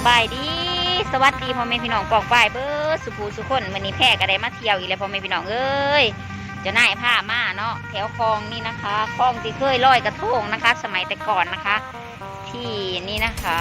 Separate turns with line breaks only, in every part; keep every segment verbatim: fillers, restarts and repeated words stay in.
บายดีสวัสดีพ่อแม่พี่น้องปองป้ายเบิร์ดสุภูสุคนวันนี้แพร่ก็ได้มาเที่ยวอีกแล้วพ่อแม่พี่น้องเอ้ยเจะน่ายผ้ามาเนาะแถวคลองนี่นะคะคลองที่เคยลอยกระทงนะคะ สมัยแต่ก่อนนะคะ ที่นี่นะคะ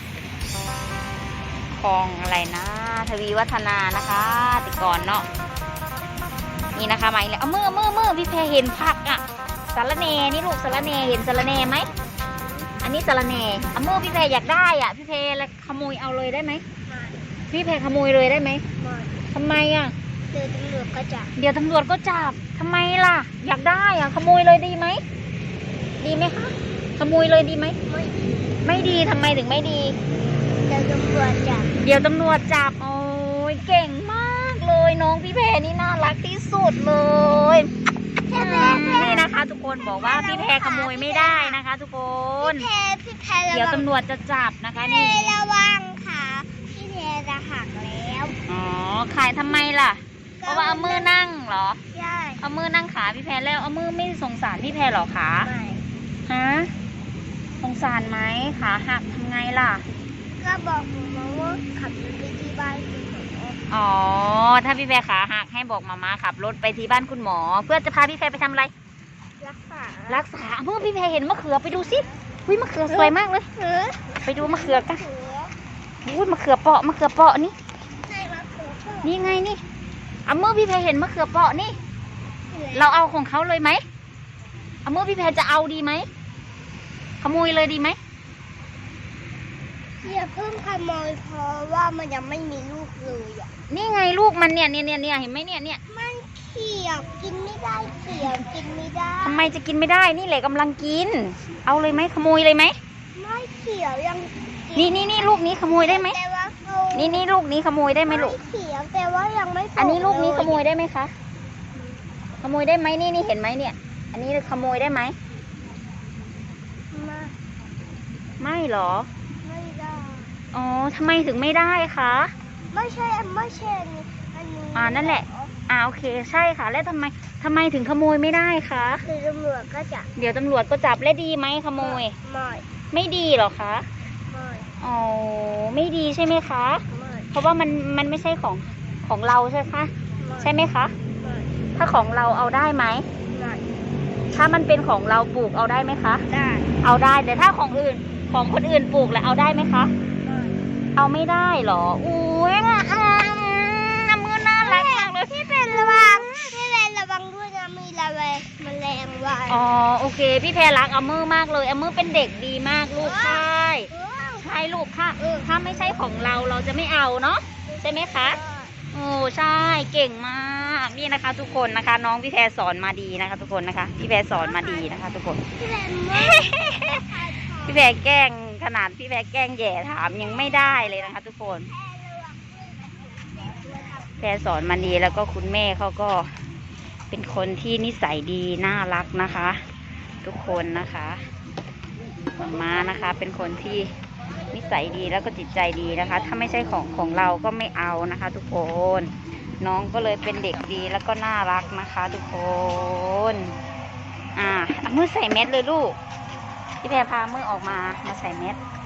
คลองอะไรนะทวีวัฒนานะคะแต่ก่อนเนาะนี่นะคะมาอีกแล้วเอามือมือมือพี่แพรเห็นผักอ่ะสาระเนนี่ลูกสาระเนเห็นสาระเนไหมอันนี้สาระเนเอามือพี่แพรอยากได้อ่ะพี่แพรแล้วขโมยเอาเลยได้ไหมพี่แพรขโมยเลยได้ไหมทำไมอ่ะ
เดี๋ยวตำรวจก็จับ
เดี๋ยวตำรวจก็จับทำไมล่ะอยากได้อ่ะขโมยเลยดีไหมดีไหมคะขโมยเลยดีไหม
ไม่
ไม่ดีทำไมถึงไม่ดี
เดี๋ยวตำรวจจับ
เดี๋ยวตำรวจจับโอ้ยเก่งมากเลยน้องพี่แพรนี่น่ารักที่สุดเลยนี่นะคะทุกคนบอกว่าพี่แพรขโมยไม่ได้นะคะทุกคน
พี่แพรพี่แพร
เดี๋ยวตำรวจจะจับนะคะนี่
ระวังค่ะพี่แพรจะหักแล้ว
อ๋อขายทำไมล่ะเพราะว่าเอามือนั่งเหรอ
ใช่
เอามือนั่งขาพี่แพรแล้วเอามือไม่สงสารพี่แพรหรอคะ
ไม่
ฮะสงสารไหมขาหักทำไงล่ะ
ก็บอกหมอว่าขับรถไปที่บ้านคุณหมอ
อ๋อถ้าพี่แพรขาหักให้บอกมาม่าขับรถไปที่บ้านคุณหมอเพื่อจะพาพี่แพรไปทำอะไร
รักษา
รักษาเมื่อพี่แพรเห็นมะเขือไปดูสิอุ้ยมะเขือสวยมากเลยไปดูมะเขือกันอุ้ยมะเขือเปาะมะเขือเปาะนี่นี่ไงนี่เอาเมื่อพี่แพรเห็นมะเขือเปาะนี่เราเอาของเขาเลยไหมเอาเมื่อพี่แพรจะเอาดีไหมขโมยเลยดีไหม
อย่าเพิ่งขโมยเพราะว่ามันยังไม่มีลูกเลยอ่ะ
นี่ไงลูกมันเนี่ยเนี่ยเนี่ยเนี่ยเห็นไหมเนี่ยเนี่ย
มันเขียวกินไม่ได้เขียวกินไม่ได้
ทำไมจะกินไม่ได้นี่แหละกำลังกินเอาเลยไหมขโมยเลยไหม
ไม่เขียวยัง
นี่นี่นี่ลูกนี้ขโมยได้ไหมนี่นี่ลูกนี้ขโมยได้ไหมลูก
เขียวแต่ว่ายังไม่
อันนี้ลูกนี้ขโมยได้ไหมคะขโมยได้ไหมนี่นี่เห็นไหมเนี่ยอันนี้ขโมยได้ไหม
ไม่
ไม่หรอ
ไม่ได้
อ๋อทำไมถึงไม่ได้คะ
ไม่ใช่ไม่ใช่อันนี้
อ่านั่นแหละอ่าโอเคใช่ค่ะแล้วทำไมทำไมถึงขโมยไม่ได้คะ
คือตำรวจก็จับ
เดี๋ยวตำรวจก็จับและดีไหมขโมย
ไม่
ไม่ดีหรอคะ
ไม่
อ๋อไม่ดีใช่ไหมคะ
ไม่
เพราะว่ามันมันไม่ใช่ของของเราใช่ไหมคะใช่ไหมคะ
ไม่
ถ้าของเราเอาได้ไหม
ไม่
ถ้ามันเป็นของเราปลูกเอาได้ไหมคะ
ได้
เอาได้แต่ถ้าของอื่นของคนอื่นปลูกแล้วเอาได้ไหมคะเอาไม่ได้หรออุ้ยอ่ะน้ำมือน่ารักมากเลย
พี่เป็นระวังพี่เป็นระวังด้วยนะมีระเวแมลงวัน
อ๋อโอเคพี่แพรรักอามือมากเลยอามือเป็นเด็กดีมากลูกใช่ใช่ลูกค่ะถ้าไม่ใช่ของเราเราจะไม่เอาเนาะใช่ไหมคะโอ้ใช่เก่งมากนี่นะคะ ทุกคนนะคะน้องพี่แพรสอนมาดีนะคะ ทุกคนนะคะพี่แพรสอนมาดีนะคะ ทุกคนพี่แพรแกล้งขนาดพี่แพรแกล้งแย่ถามยังไม่ได้เลยนะคะ ทุกคนแพรสอนมาดีแล้วก็คุณแม่เขาก็เป็นคนที่นิสัยดีน่ารักนะคะ ทุกคนนะคะม้านะคะเป็นคนที่นิสัยดีแล้วก็จิตใจดีนะคะถ้าไม่ใช่ของของเราก็ไม่เอานะคะ ทุกคนน้องก็เลยเป็นเด็กดีแล้วก็น่ารักนะคะ ทุกคนอ่าเอามือใส่เม็ดเลยลูกพี่แพรพามือออกมามาใส่เม็ด